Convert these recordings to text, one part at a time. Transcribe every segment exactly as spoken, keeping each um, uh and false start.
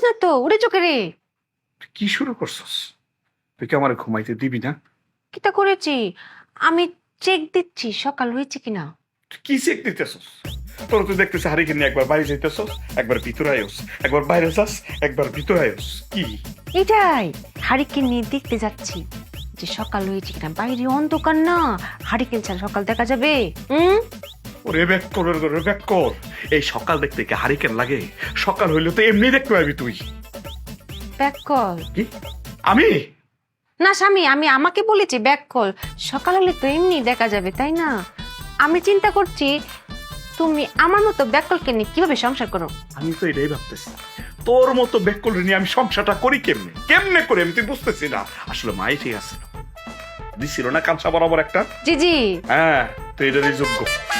না তো, উড়ে চোখে রে। কি শুরু করছস? তুই কি আমার ঘুমাইতে দিবি না? কিটা করেছি আমি, চেক দিচ্ছি সকাল হয়েছে কিনা। তুই কি চেক দিতেছস? তোর তো দেখতেছি হারিকে নিয়ে একবার বাইরে যাইতেছস, একবার ভিতরে আয়োস, একবার বাইরে যাস, একবার ভিতরে আয়োস। কি এটাই হারিকেন নিয়ে দেখতে যাচ্ছি যে সকাল হয়েছে কিনা। বাইরে অন্ধকার না, হারিকেন ছাড়া সকাল দেখা যাবে? হুম, ওরে ব্যাক কর, ওরে ব্যাক কর। এই সকাল দেখতে কি হারিকেন লাগে? সকাল হইলে তো এমনি দেখতে পাবি তুই। ব্যাক কল কি? আমি না স্বামী, আমি আমাকে বলেছি ব্যাক কল। সকাল হলে তো এমনি দেখা যাবে, তাই না? আমি চিন্তা করছি তুমি আমার মতো ব্যাক কলকে নিয়ে কিভাবে সংসার করো। আমি তো এটাই ভাবতেছি, তোর মতো ব্যাক কল নিয়ে আমি সংসারটা করি কেমনে কেমনে করে আমি তুই বুঝতেছি না। আসলে মাই ঠিক আছে, দিছিল না কাঁচা বরাবর একটা। জি জি, হ্যাঁ, তো এটারই যোগ্য।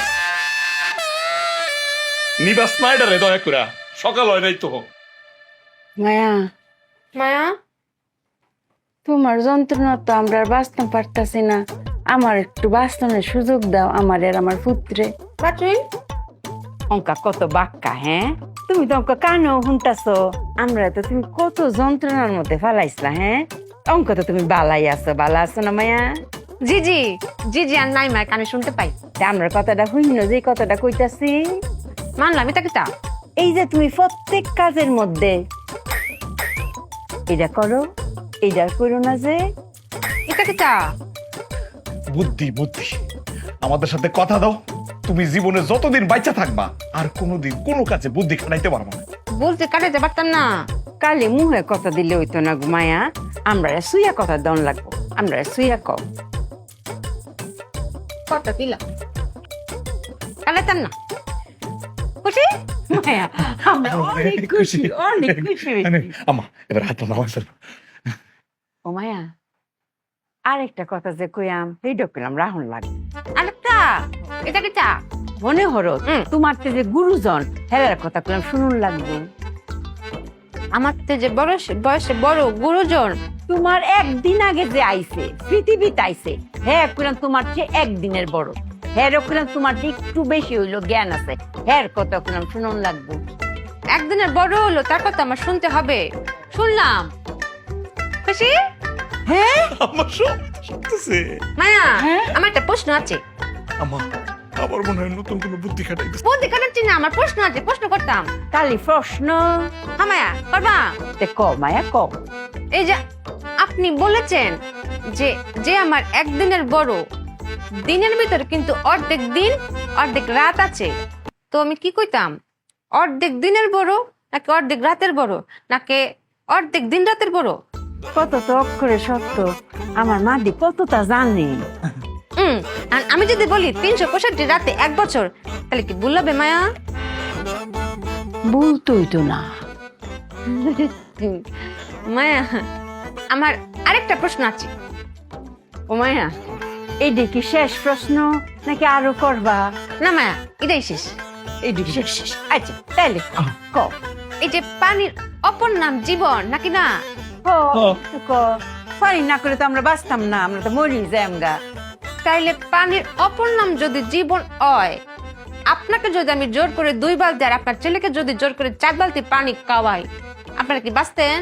নিবাস নাইডারে দয়া করে, সকাল হয় নাই তো। মায়া, মায়া তোমার যন্ত্রণা তো আমরা আর বাঁচতে পারতাছি না। আমার একটু বাঁচনের সুযোগ দাও, আমার আর আমার পুত্রে। বাটুইন অঙ্কা কত বাক্কা, হ্যাঁ? তুমি তো অঙ্ক কানেও শুনতাছো। আমরা তো তুমি কত যন্ত্রণার মধ্যে ফালাইছলা, হ্যাঁ? অঙ্ক তো তুমি বালাই আছো, বালা আছো না মায়া? জি জি জি জি, আর নাই মায়ের কানে শুনতে পাই। তা আমরা কথাটা শুনিনো যে কথাটা কইতাছি। মানলাম, এটা কিটা? এই যে তুমি প্রত্যেক কাজের মধ্যে এটা করো, এইটা করো না যে। এটা কিটা? বুদ্ধি বুদ্ধি, আমাদের সাথে কথা দাও। তুমি জীবনে যতদিন বাচ্চা থাকবা আর কোনোদিন কোনো কাজে বুদ্ধি খাটাইতে পারবা না। বলতে কাটাইতে পারতাম না। কালে মুহে কথা দিলে হইতো না গো মায়া। আমরা সুইয়া কথা দন লাগবো, আমরা সুইয়া কও। কত দিলা, কাটাইতাম না। খুশি? মায়া, আমরা অনেক খুশি, অনেক খুশি হয়েছি। আমা এবার হাত নামাজ। ও মায়া, আরেকটা কথা যে কইয়াম সেইটা কইলাম রাহুল লাগে। আরেকটা, এটা কিটা? মনে হলো হুম। তোমার তে যে গুরুজন হেলার কথা কইলাম শুনুন লাগবো। আমার তো যে বড় বয়সে বড় গুরুজন, তোমার একদিন আগে যে আইছে পৃথিবীতে আইছে, হ্যাঁ কইলাম তোমার চেয়ে একদিনের বড়। হ্যাঁ কইলাম তোমার চেয়ে একটু বেশি হইলো জ্ঞান আছে, হ্যাঁ কথা কইলাম শুনুন লাগবো। একদিনের বড় হলো, তার কথা আমার শুনতে হবে। শুনলাম। খুশি? হ্যাঁ আমার সব শুনতেছে। মায়া, হ্যাঁ? আমার একটা প্রশ্ন আছে। আমা আবার মনে হয় নতুন কোনো বুদ্ধি খাটাইতেছে। বলতে কাটাচ্ছি না, আমার প্রশ্ন আছে, প্রশ্ন করতাম। কালি প্রশ্ন হ্যাঁ মায়া, করবা? তে ক মায়া ক। এই যে আপনি বলেছেন যে যে আমার একদিনের বড়, দিনের ভিতরে কিন্তু অর্ধেক দিন অর্ধেক রাত আছে। তো আমি কি কইতাম, অর্ধেক দিনের বড় নাকি অর্ধেক রাতের বড়, নাকি অর্ধেক দিন রাতের বড়? কত তো অক্ষরে সত্য, আমার মাদি কতটা জানে। হুম, আর আমি যদি বলি তিনশো পঁয়ষট্টি রাতে এক বছর, তাহলে কি ভুল হবে মায়া? বলতোই তো না। মায়া, আমার আরেকটা প্রশ্ন আছে। ও মায়া, এইটা কি শেষ প্রশ্ন নাকি আরো করবা? না মায়া, এটাই শেষ। এইটা শেষ শেষ আচ্ছা তাইলে ক এই যে পানির অপর নাম জীবন নাকি না? ক ক। পানি না করে তো আমরা বাঁচতাম না, আমরা তো মরি যাই আমগা। তাইলে পানির অপর নাম যদি জীবন হয়, আপনাকে যদি আমি জোর করে দুই বালতি আর আপনার ছেলেকে যদি জোর করে চার বালতি পানি খাওয়াই, আপনারা কি বাঁচতেন?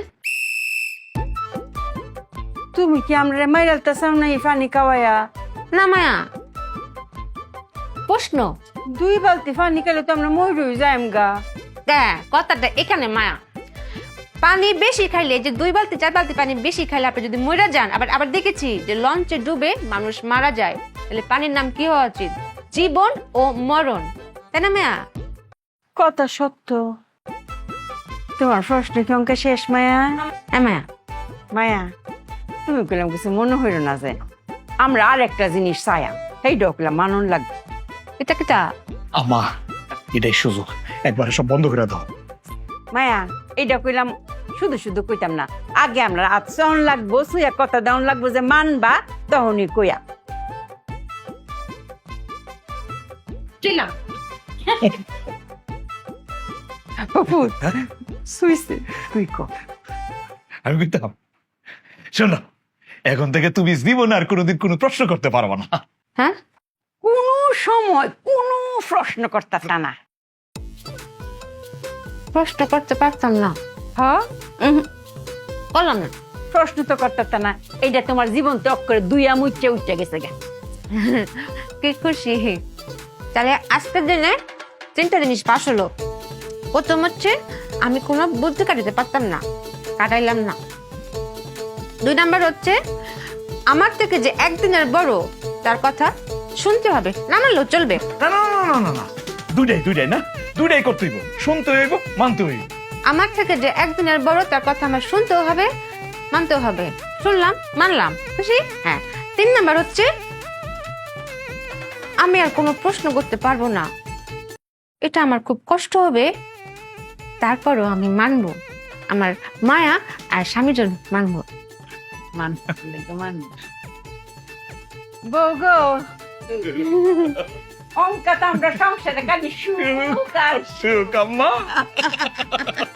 তুমি কি আমরা মাইরালটা চাও না এই পানি খাওয়ায়া? না মায়া, প্রশ্ন। দুই বালতি পানি খেলে তো আমরা মরি যাই আমগা। হ্যাঁ, কথাটা এখানে মায়া। পানি বেশি খাইলে, যে দুই বালতি চার বালতি পানি বেশি খাইলে আপনি যদি মরে যান, আবার আবার দেখেছি যে লঞ্চে ডুবে মানুষ মারা যায়, তাহলে পানির নাম কি হওয়া উচিত? জীবন ও মরণ, তাই না মায়া? কথা সত্য। তোমার প্রশ্ন কি অঙ্কে শেষ মায়া? হ্যাঁ মায়া। মায়া, তুমি কইলাম কিছু মনে হইল না যে আমরা আর একটা জিনিস চাইয়া সেই ডকলাম মানুন লাগবে। এটা কিটা? আমা এটাই সুযোগ, একবারে সব বন্ধ করে দাও। মায়া, এইটা কইলাম শুধু শুধু কইতাম না, আগে আমরা আচরণ লাগবো, সুইয়া কথা দাউন লাগবো যে মানবা, তখনই কইয়া। চিলা বাপুত, সুইছে তুই ক। আমি কইতাম, শোনো, এখন থেকে তুমি জীবনে আর কোনোদিন কোনো প্রশ্ন করতে পারবা না। হ্যাঁ, কোন সময় কোনো প্রশ্ন করতাম না। প্রশ্ন করতে পারতাম না। হ্যাঁ করলাম না। প্রশ্ন তো করতে না, এইটা তোমার জীবন তো করে দুই আমুচ্ছে উঠে গেছে গা। কি খুশি। তাহলে আজকের দিনে তিনটা জিনিস পাস হলো। প্রথম হচ্ছে আমি কোনো বুদ্ধি কাটাতে পারতাম না, কাটাইলাম না। দুই নাম্বার হচ্ছে আমার থেকে যে একদিনের বড় তার কথা শুনতে হবে, না মানলেও চলবে। না না না না না না দুইটাই দুইটাই না, দুইটাই করতে হইব, শুনতে হইব, মানতে হইব। আমার থেকে যে একদিনের বড় তার কথা আমার শুনতেও হবে, মানতেও হবে। শুনলাম, মানলাম, খুশি। হ্যাঁ, তিন নাম্বার হচ্ছে আমি আর কোনো প্রশ্ন করতে পারবো না। এটা আমার খুব কষ্ট হবে, তারপরও আমি মানবো। আমার মায়া আর স্বামীর জন্য মানবো। বউ গো, অঙ্কা তো আমরা সংসারে কাজে সুখ আর সুখ আম্মা।